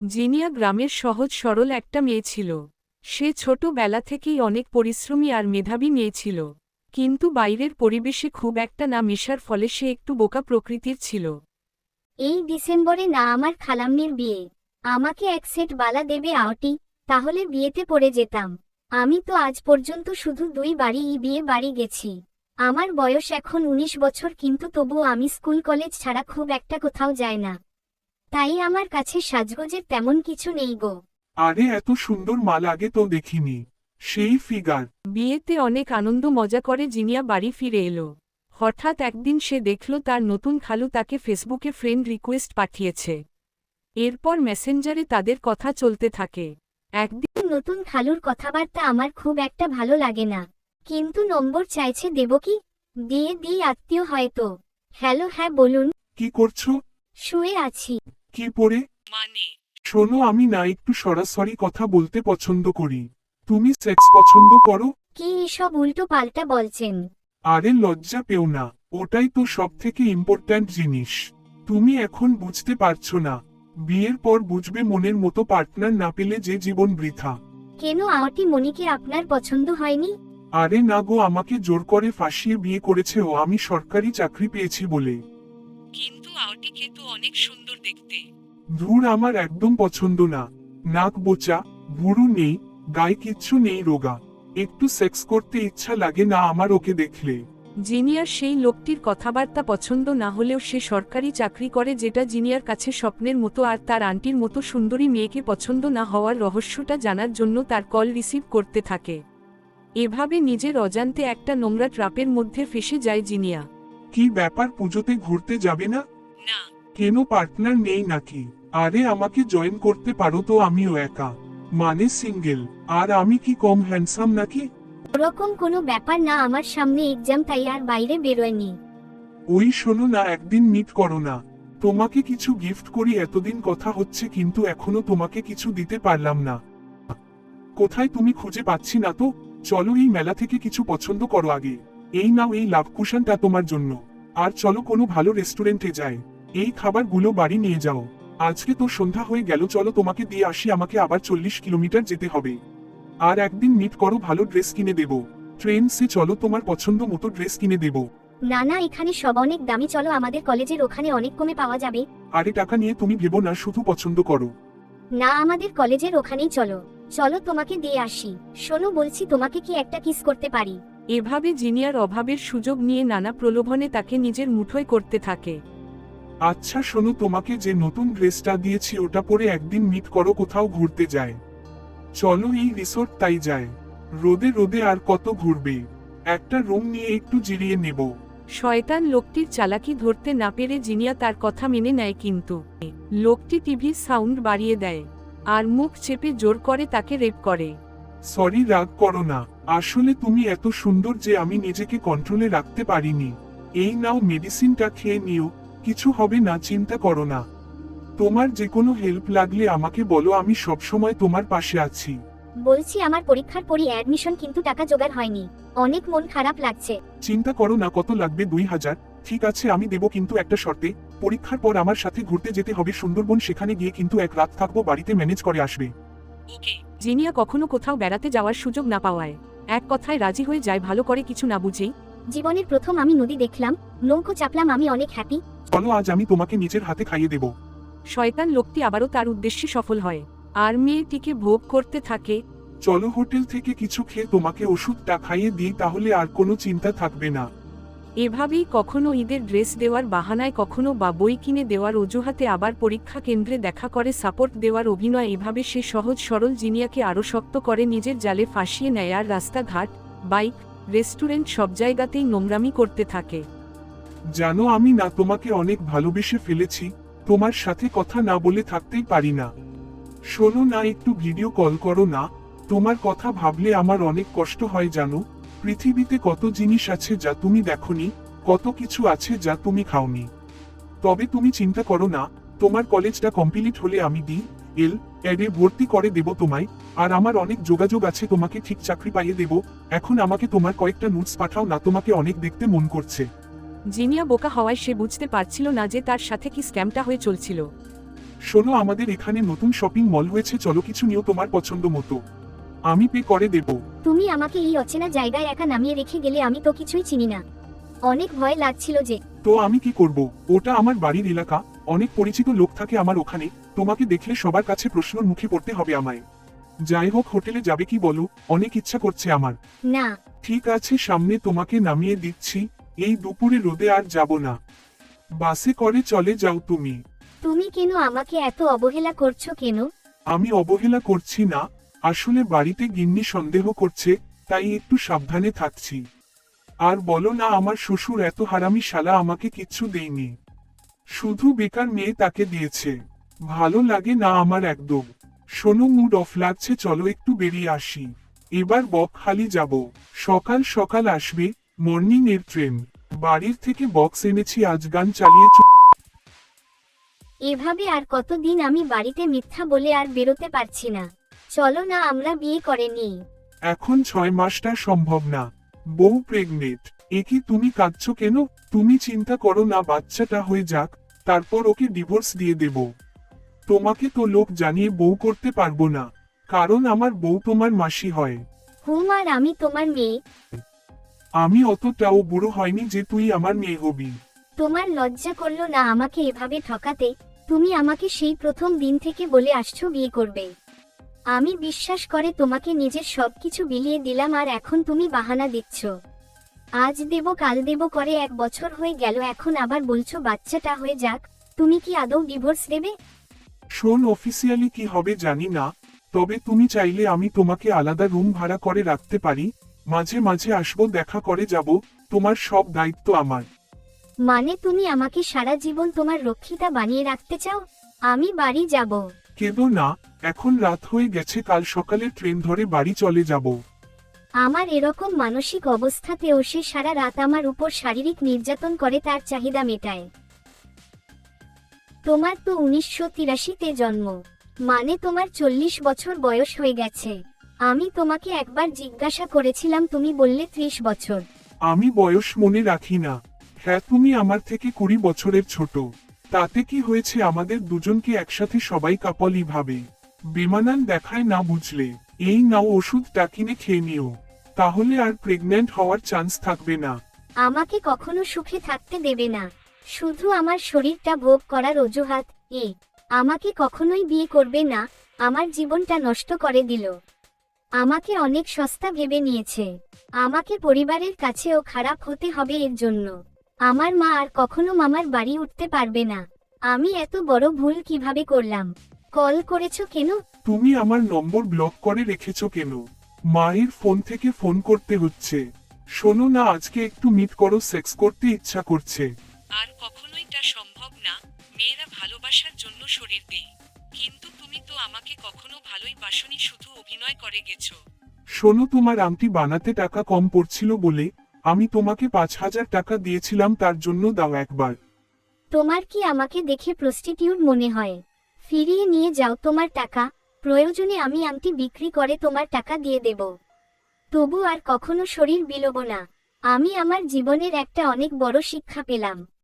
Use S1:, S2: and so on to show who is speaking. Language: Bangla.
S1: জিনিয়া গ্রামের সহজ সরল একটা মেয়ে ছিল। সে ছোটবেলা থেকেই অনেক পরিশ্রমী আর মেধাবী মেয়ে ছিল। কিন্তু বাইরের পরিবেশে খুব একটা না মেশার ফলে সে একটু বোকা প্রকৃতির ছিল।
S2: এই ডিসেম্বরে না আমার খালাম্মির বিয়ে। আমাকে এক সেট বালা দেবে আওটি, তাহলে বিয়েতে পড়ে যেতাম। আমি তো আজ পর্যন্ত শুধু 2 বারই বিয়ে বাড়ি গেছি। আমার বয়স এখন 19 বছর, কিন্তু তবুও আমি স্কুল কলেজ ছাড়া খুব একটা কোথাও যাই না। তাই আমার কাছে সাজগোজের তেমন কিছু নেই গো।
S3: আরে এত সুন্দর মাল আগে তো দেখিনি। সেই ফিগার।
S1: বিয়েতে অনেক আনন্দ মজা করে জিনিয়া বাড়ি ফিরে এলো। হঠাৎ একদিন সে দেখল তার নতুন খালু তাকে ফেসবুকে ফ্রেন্ড রিকোয়েস্ট পাঠিয়েছে। এরপর মেসেঞ্জারে তাদের কথা চলতে থাকে। একদিন
S2: নতুন খালুর কথাবার্তা আমার খুব একটা ভালো লাগে না, কিন্তু নম্বর চাইছে, দেব কি? দিয়ে দিই, আত্মীয় হয়তো। হ্যালো, হ্যাঁ বলুন।
S3: কি করছো?
S2: শুয়ে আছি।
S3: কি পরে?
S1: মানে
S3: শোনো, আমি না একটু সরাসরি কথা বলতে পছন্দ করি। তুমি সেক্স পছন্দ করো?
S2: কি এসব উল্টো পাল্টা বলছেন?
S3: আরে লজ্জা পেও না, ওটাই তো সব থেকে ইম্পর্ট্যান্ট জিনিস। তুমি এখন বুঝতে পারছো না, বিয়ের পর বুঝবে মনের মতো পার্টনার না পেলে যে জীবন বৃথা।
S2: কেন, আওটি মনিকে আপনার পছন্দ হয়নি?
S3: আরে না গো, আমাকে জোর করে ফাঁসিয়ে বিয়ে করেছে ও, আমি সরকারি চাকরি পেয়েছি বলে।
S1: কিন্তু আওটিকে তো অনেক সুন্দর দেখতে।
S3: ধুর, আমার একদম পছন্দ না। নাক বোচা, ভুরু নেই, গায়ে কিচ্ছু নেই, রোগা। একটু সেক্স করতে ইচ্ছা লাগে না আমার ওকে দেখলে।
S1: জিনিয়ার সেই লোকটির কথাবার্তা পছন্দ না হলেও সে সরকারি চাকরি করে, যেটা জিনিয়ার কাছে স্বপ্নের মতো, আর তার আন্টির মতো সুন্দরী মেয়েকে পছন্দ না হওয়ার রহস্যটা জানার জন্য তার কল রিসিভ করতে থাকে। এভাবে নিজের অজান্তে একটা নোংরা ট্রাপের মধ্যে ফেসে যায় জিনিয়া।
S3: কি ব্যাপার, পুজোতে ঘুরতে যাবে না?
S1: না।
S3: কেন, পার্টনার নেই নাকি? আরে আমাকে জয়েন করতে পারো তো, আমিও একা, মানে সিঙ্গেল। আর আমি কি কম হ্যান্ডসাম নাকি?
S2: ওরকম কোনো ব্যাপার না, আমার সামনে এক্সাম, তাই আর বাইরে বেরোয়নি।
S3: ওই শোনো না, একদিন মিট করো না। তোমাকে কিছু গিফট করি, এতদিন কথা হচ্ছে কিন্তু এখনো তোমাকে কিছু দিতে পারলাম না। কোথায় তুমি, খুঁজে পাচ্ছি না তো। চলো এই মেলা থেকে কিছু পছন্দ করো আগে। এই নাও, এই লাভ কুশনটা তোমার জন্য। আর চলো কোনো ভালো রেস্টুরেন্টে যাই, এই খাবারগুলো বাড়ি নিয়ে যাও। আজকে তো সন্ধ্যা হয়ে গেল, চলো তোমাকে দিয়ে আসি, আমাকে আবার 40 কিলোমিটার যেতে হবে। আর একদিন মিট করো, ভালো ড্রেস কিনে দেবো। ট্রেন সে চলো, তোমার পছন্দ মতো ড্রেস কিনে দেবো।
S2: না না, এখানে সব অনেক দামি, চলো আমাদের কলেজের ওখানে অনেক কমে পাওয়া যাবে।
S3: আরে টাকা নিয়ে তুমি ভেবো না, শুধু পছন্দ করো।
S2: না, আমাদের কলেজের ওখানেই চলো। চলো তোমাকে দিয়ে আসি। শোনো, বলছি, তোমাকে কি একটা কিস করতে পারি?
S1: এভাবে জিনিয়ার অভাবের সুযোগ নিয়ে নানা প্রলোভনে তাকে নিজের মুঠোয় করতে থাকে।
S3: আচ্ছা শোনো, তোমাকে যে নতুন ড্রেসটা দিয়েছি ওটা পরে একদিন মিট করো, কোথাও ঘুরতে যায়। চলো এই রিসোর্ট তাই যায়। রোদে রোদে আর কত ঘুরবে, একটা রুম নিয়ে একটু জিরিয়ে নেব।
S1: শয়তান লোকটির চালাকি ধরতে না পেরে জিনিয়া তার কথা মেনে নেয়, কিন্তু লোকটি টিভির সাউন্ড বাড়িয়ে দেয় আর মুখ চেপে জোর করে তাকে রেপ করে।
S3: সরি, রাগ করো না। আসলে তুমি এত সুন্দর যে আমি নিজেকে কন্ট্রোলে রাখতে পারিনি। এই নাও, মেডিসিনটা খেয়ে নিও, কিছু হবে না, চিন্তা করো না। তোমার যে কোনো হেল্প লাগলে আমাকে বলো, আমি সবসময় তোমার পাশে আছি।
S2: বলছি, আমার পরীক্ষার পরই অ্যাডমিশন, কিন্তু টাকা জোগাড় হয়নি। অনেক মন খারাপ লাগছে।
S3: চিন্তা করো না, কত লাগবে? 2000। ঠিক আছে, আমি দেবো, কিন্তু একটা শর্তে। পরীক্ষার পর আমার সাথে ঘুরতে যেতে হবে সুন্দরবন, সেখানে গিয়ে কিন্তু এক রাত থাকবো, বাড়িতে ম্যানেজ করে আসবে।
S1: জিনিয়া কখনো কোথাও বেড়াতে যাওয়ার সুযোগ না পাওয়ায় এক কথায় রাজি হয়ে যায়, ভালো করে কিছু না বুঝেই।
S2: জীবনের প্রথম আমি নদী দেখলাম, নৌকো চাপলাম, আমি অনেক হ্যাপি।
S3: চলো, আজ আমি তোমাকে নিজের হাতে খাইয়ে দেবো।
S1: শয়তান লোকটি আবারও তার উদ্দেশ্যে সফল হয় আর মেয়েটিকে ভোগ করতে থাকে।
S3: চলো হোটেল থেকে কিছু খেয়ে তোমাকে ওষুধটা খাইয়ে দিই, তাহলে আর কোনো চিন্তা থাকবে না।
S1: এভাবেই কখনো ঈদের ড্রেস দেওয়ার বাহানায়, কখনো বা বই কিনে দেওয়ার অজুহাতে, আবার পরীক্ষা কেন্দ্রে দেখা করে সাপোর্ট দেওয়ার অভিনয়, এভাবে সে সহজ সরল জিনিয়াকে আরও শক্ত করে নিজের জালে ফাঁসিয়ে নেয় আর রাস্তাঘাট, বাইক, রেস্টুরেন্ট সব জায়গাতেই নোংরামি করতে থাকে।
S3: জানো, আমি না তোমাকে অনেক ভালোবেসে ফেলেছি, তোমার সাথে কথা না বলে থাকতেই পারি না। শোনো না, একটু ভিডিও কল করো না। তোমার কথা ভাবলে আমার অনেক কষ্ট হয় জানো। পৃথিবীতে কত জিনিস আছে যা তুমি দেখোনি, কত কিছু আছে যা তুমি খাওনি। তবে তুমি চিন্তা করো না, তোমার কলেজটা কমপ্লিট হলে আমি এডে ভর্তি করে দেব তোমায়। আর আমার অনেক যোগাযোগ আছে, তোমাকে ঠিক চাকরি পাইয়ে দেব। এখন আমাকে তোমার কয়েকটা নোটস পাঠাও না, তোমাকে অনেক দেখতে মন করছে।
S1: জিনিয়া বোকা হওয়ায় সে বুঝতে পারছিল না যে তার সাথে কি স্ক্যামটা হয়ে চলছিল।
S3: শোনো, আমাদের এখানে নতুন শপিং মল হয়েছে, চলো কিছু নিও তোমার পছন্দ মতো। আমি পে করে দেব।
S2: তুমি আমাকে এই অচেনা জায়গায় একা নামিয়ে রেখে গেলে, আমি তো কিছুই চিনি না। অনেক ভয় লাগছিল যে।
S3: তো আমি কি করব? ওটা আমার বাড়ির এলাকা, অনেক পরিচিত লোক থাকে আমার ওখানে। তোমাকে দেখলে সবার কাছে প্রশ্নর মুখে পড়তে হবে আমায়। যাই হোক, হোটেলে যাবে কি বলো? অনেক ইচ্ছা করছে আমার।
S2: না,
S3: ঠিক আছে, সামনে তোমাকে নামিয়ে দিচ্ছি। এই দুপুরে রোদে আর যাব না। বাসে করে চলে যাও তুমি।
S2: তুমি কেন আমাকে এত অবহেলা করছো কেন?
S3: আমি অবহেলা করছি না, আসলে বাড়িতে গিন্নি সন্দেহ করছে, তাই একটু সাবধানে থাকছি। আর বলো না, আমার শ্বশুর এত হারামি শালা, আমাকে কিচ্ছু দেয়নি, শুধু বেকার মেয়ে তাকে দিয়েছে। ভালো লাগে না আমার একদম। শোনো, মুড অফ লাগছে, চলো একটু বেরিয়ে আসি। এবার বকখালি যাব। সকাল সকাল আসবে মর্নিং এর ট্রেন। বাড়ির থেকে বক্স এনেছি, আজ গান চালিয়ে
S2: এভাবে আর কতদিন আমি বাড়িতে মিথ্যা বলে আর বেরোতে পারছি না। চলো না, আমরা বিয়ে করে নিই।
S3: এখন 6 মাসটা সম্ভব না, বউ প্রেগনেন্ট। কি তুমি কাঁদছো কেন? তুমি চিন্তা করো না, বাচ্চাটা হয়ে যাক, তারপর ওকে ডিভোর্স দিয়ে দেব। তোমাকে তো লোক জানিয়ে বউ করতে পারবো না, কারণ আমার বউ তোমার মাসি হয়।
S2: হুম, আর আমি তোমার মেয়ে।
S3: আমি অতটাও বুড়ো হয়নি যে তুই আমার মেয়ে হবি।
S2: তোমার লজ্জা করলো না আমাকে এভাবে ঠকাতে? তুমি আমাকে সেই প্রথম দিন থেকে বলে আসছো বিয়ে করবে। আমি বিশ্বাস করে তোমাকে নিজের সবকিছু বিলিয়ে দিলাম, আর এখন তুমি বাহানা দিচ্ছ। আজ দেব কাল দেব করে 1 বছর হয়ে গেল, এখন আবার বলছো বাচ্চাটা হয়ে যাক। তুমি কি আদৌ ডিভোর্স দেবে?
S3: শোন, অফিসিয়ালি কি হবে জানি না, তবে তুমি চাইলে আমি তোমাকে আলাদা রুম ভাড়া করে রাখতে পারি। মাঝে মাঝে আসবো, দেখা করে যাব, তোমার সব দায়িত্ব আমার।
S2: মানে তুমি আমাকে সারা জীবন তোমার রক্ষিতা বানিয়ে রাখতে চাও? আমি বাড়ি যাব।
S3: কেঁদো না, এখন রাত হয়ে গেছে, কাল সকালে ট্রেন ধরে বাড়ি চলে যাব।
S2: আমার এরকম মানসিক অবস্থাতেও সে সারা রাত আমার উপর শারীরিক নির্যাতন করে তার চাহিদা মেটায়। তোমার তো 1983-তে জন্ম, মানে তোমার 40 বছর বয়স হয়ে গেছে। আমি তোমাকে একবার জিজ্ঞাসা করেছিলাম, তুমি বললে 30 বছর।
S3: আমি বয়স মনে রাখি না। হ্যাঁ, তুমি আমার থেকে 20 বছরের ছোট। তাতে কি হয়েছে, আমাদের দুজনকে একসাথে সবাই কাপলই ভাবে। বেমানান দেখায় না, বুঝলে? এই নাও ওষুধটা, কিনে খেয়ে নিও, তাহলে আর প্রেগন্যান্ট হওয়ার চান্স থাকবে না।
S2: আমাকে কখনো সুখে থাকতে দেবে না, শুধু আমার শরীরটা ভোগ করার অজুহাত। আমাকে কখনোই বিয়ে করবে না, আমার জীবনটা নষ্ট করে দিল। আমাকে অনেক সস্তা ভেবে নিয়েছে, আমাকে পরিবারের কাছেও খারাপ হতে হবে এর জন্য। আমার মা আর কখনো মামার বাড়ি উঠতে পারবে না। আমি এত বড় ভুল কিভাবে করলাম? কল করেছো কেন?
S3: তুমি আমার নম্বর ব্লক করে রেখেছো কেন? মায়ের ফোন থেকে ফোন করতে হচ্ছে। শোনো না, আজকে একটু মিট করো, সেক্স করতে ইচ্ছা করছে।
S1: আর কখনোই তা সম্ভব না, মেয়েরা ভালোবাসার জন্য শরীর দেয়, কিন্তু তুমি তো আমাকে কখনো ভালোই বাসনি, শুধু অভিনয় করে গেছো।
S3: শোনো, তোমার আংটি বানাতে টাকা কম পড়ছিল বলে আমি তোমাকে 5,000 টাকা দিয়েছিলাম, তার জন্য দাও একবার।
S2: তোমার কি আমাকে দেখে প্রস্টিটিউট মনে হয়? ফিরিয়ে নিয়ে যাও তোমার টাকা, প্রয়োজনে আমি আংটি বিক্রি করে তোমার টাকা দিয়ে দেব। তবু আর কখনো শরীর বিলোব না। আমি আমার জীবনের একটা অনেক বড় শিক্ষা পেলাম।